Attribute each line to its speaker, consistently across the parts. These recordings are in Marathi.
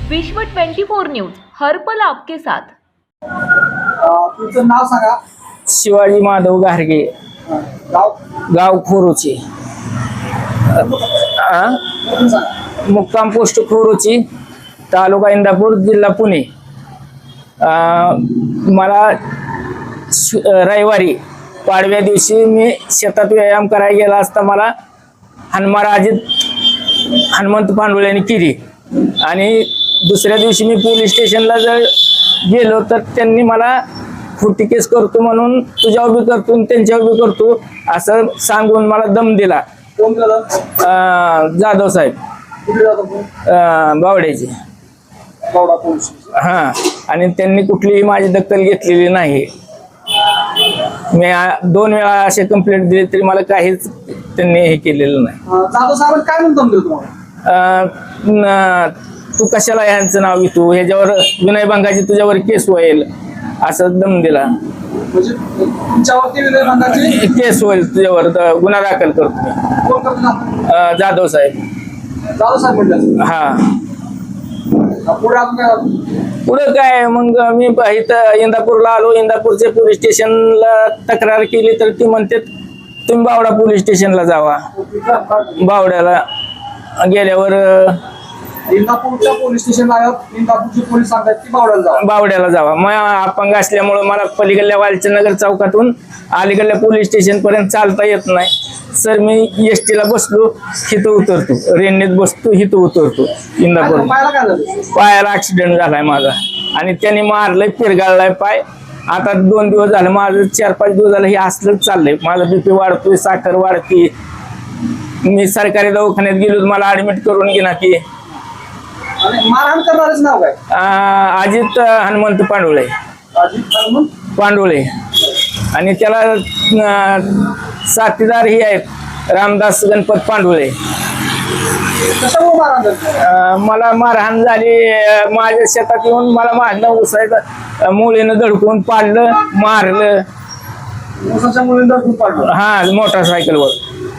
Speaker 1: विश्व 24 न्यूज हर पल आपके साथ।
Speaker 2: तुमचं नाव सांगा।
Speaker 3: शिवाजी माधव गारगे, गाव खोरोची, मुक्काम पोस्ट खोरोची, तालुका इंदापूर, जिल्हा पुणे। मला रविवारी पाडव्या दिवशी मी शेतात व्यायाम करायला गेला असता मला हनुमंत पांडुळ्यांनी केली आणि दुसऱ्या दिवशी मी पोलीस स्टेशनला जर गेलो तर त्यांनी मला खोटी केस करतो म्हणून तुझ्या उभी करतो त्यांच्या उभी करतो असं सांगून मला दम दिला। जाधव साहेब बावड्याचे। हा, आणि त्यांनी कुठलीही माझी दखल घेतलेली नाही। मी 2 वेळा असे कंप्लेंट दिली तरी मला काहीच त्यांनी हे केलेलं नाही।
Speaker 2: जाधव साहेब काय म्हणतो तुम्हाला?
Speaker 3: तू कशाला यांचं नाव घेतो, ह्याच्यावर विनयभंगाची तुझ्यावर केस होईल असं दम दिला।
Speaker 2: म्हणजे तुमच्यावरती विनयभंगाची केस
Speaker 3: होईल, तुझ्यावर गुन्हा दाखल करतो। जाधव साहेब
Speaker 2: म्हटलं।
Speaker 3: हा,
Speaker 2: पुढे
Speaker 3: काय मग मी इथं इंदापूरला आलो। इंदापूरच्या पोलीस स्टेशनला तक्रार केली तर ती म्हणते तुम्ही बावडा पोलीस स्टेशनला जावा। बावड्याला गेल्यावर
Speaker 2: इंदापूरच्या पोलीस स्टेशनला इंदापूरचे पोलीस सांगतात की
Speaker 3: बावड्याला जावा। मग अपंग असल्यामुळे मला पलीकडल्या वालचंदनगर चौकातून अलीकडल्या पोलीस स्टेशन पर्यंत चालता येत नाही। सर मी एसटी ला बसलो, इथं उतरतो, रेल्वेत बसतो, इथं उतरतो। इंदापूर पायाला ऍक्सिडेंट झालाय माझा आणि त्यांनी मारलंय, पिरगाळलाय पाय। आता 2 दिवस झाले, माझं 4-5 दिवस झालं हे असलंच चाललंय। माझा बीपी वाढतोय, साखर वाढते। मी सरकारी दवाखान्यात गेलो, मला ऍडमिट करून घे ना की।
Speaker 2: मारहाण करणारच नाव काय?
Speaker 3: अजित हनुमंत पांडुळे। पांडुळे आणि त्याला साथीदार ही आहेत रामदास गणपत पांडुळे। मला मारहाण झाली, माझ्या शेतात येऊन मला मारणं उसायचं, मुलीनं धडकून पाडलं, मारलं। हा, मोटरसायकलवर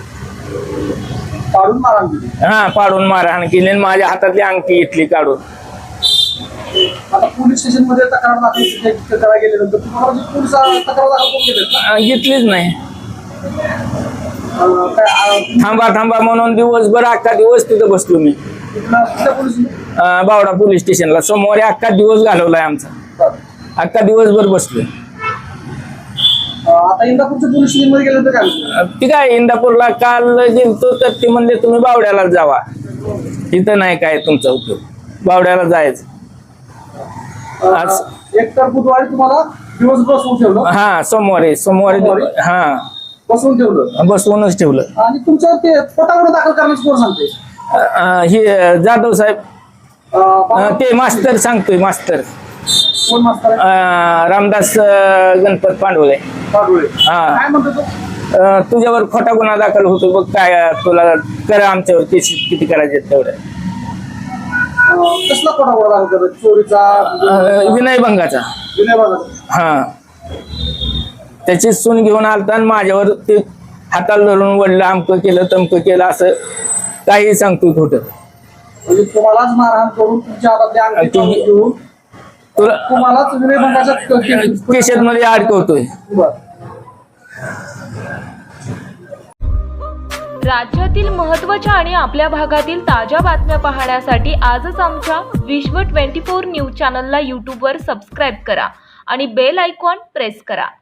Speaker 3: पाडून मारहाण केली, माझ्या हातातली अंगठी घेतली काढून।
Speaker 2: आता पोलीस स्टेशन मध्ये तक्रार दाखल गेल्यानंतर तुम्हाला पोलीस तक्रार दाखल
Speaker 3: घेतलीच नाही। थांबा म्हणून दिवसभर अख्खा दिवस तिथं बसलो मी। बावडा पोलीस स्टेशनला सोमवारी अख्खा दिवस घालवलाय आमचा, अख्खा दिवसभर बसलो।
Speaker 2: आता इंदापूरच्या पोलीस स्टेशन मध्ये गेलं तर काय?
Speaker 3: ती काय इंदापूरला काल गेलतो तर ते म्हणले तुम्ही बावड्याला जावा, इथं नाही काय तुमचा उपयोग, बावड्याला जायचं।
Speaker 2: एक तर बुधवारी तुम्हाला दिवस बसवून ठेवलं।
Speaker 3: हा, सोमवारी हा बसवूनच ठेवलं।
Speaker 2: आणि तुमचं ते पटावर दाखल करण्याचं कोण सांगते?
Speaker 3: हे जाधव साहेब, ते मास्तर सांगतोय। मास्तर
Speaker 2: कोण मास्तर?
Speaker 3: रामदास गणपत पांडुळे।
Speaker 2: काय म्हणतो तो?
Speaker 3: तुझ्यावर खोटा गुन्हा दाखल होतो बघ, काय तुला कर, आमच्यावर केस किती करायचे तेवढ्या।
Speaker 2: कसला खोटा गुन्हा दाखल करतो? चोरीचा?
Speaker 3: विनयभंगाचा। हा, त्याची सून घेऊन आलता आणि माझ्यावर ते हाताला धरून वडलं, अमकं केलं तमकं केलं असं काही सांगतो खोटं।
Speaker 2: म्हणजे तुम्हालाच मारहाण करून तुमच्या हातातल्या अंगठी घेऊन तुम्हालाच विनयभंगाच्या
Speaker 3: केसेत मध्ये अडकवतोय।
Speaker 1: राज्यातील महत्त्वाच्या आणि आपल्या भागातील ताज्या बातम्या पाहण्यासाठी आजच आमच्या विश्व 24 न्यूज चॅनलला यूट्यूबवर सबस्क्राईब करा आणि बेल आयकॉन प्रेस करा।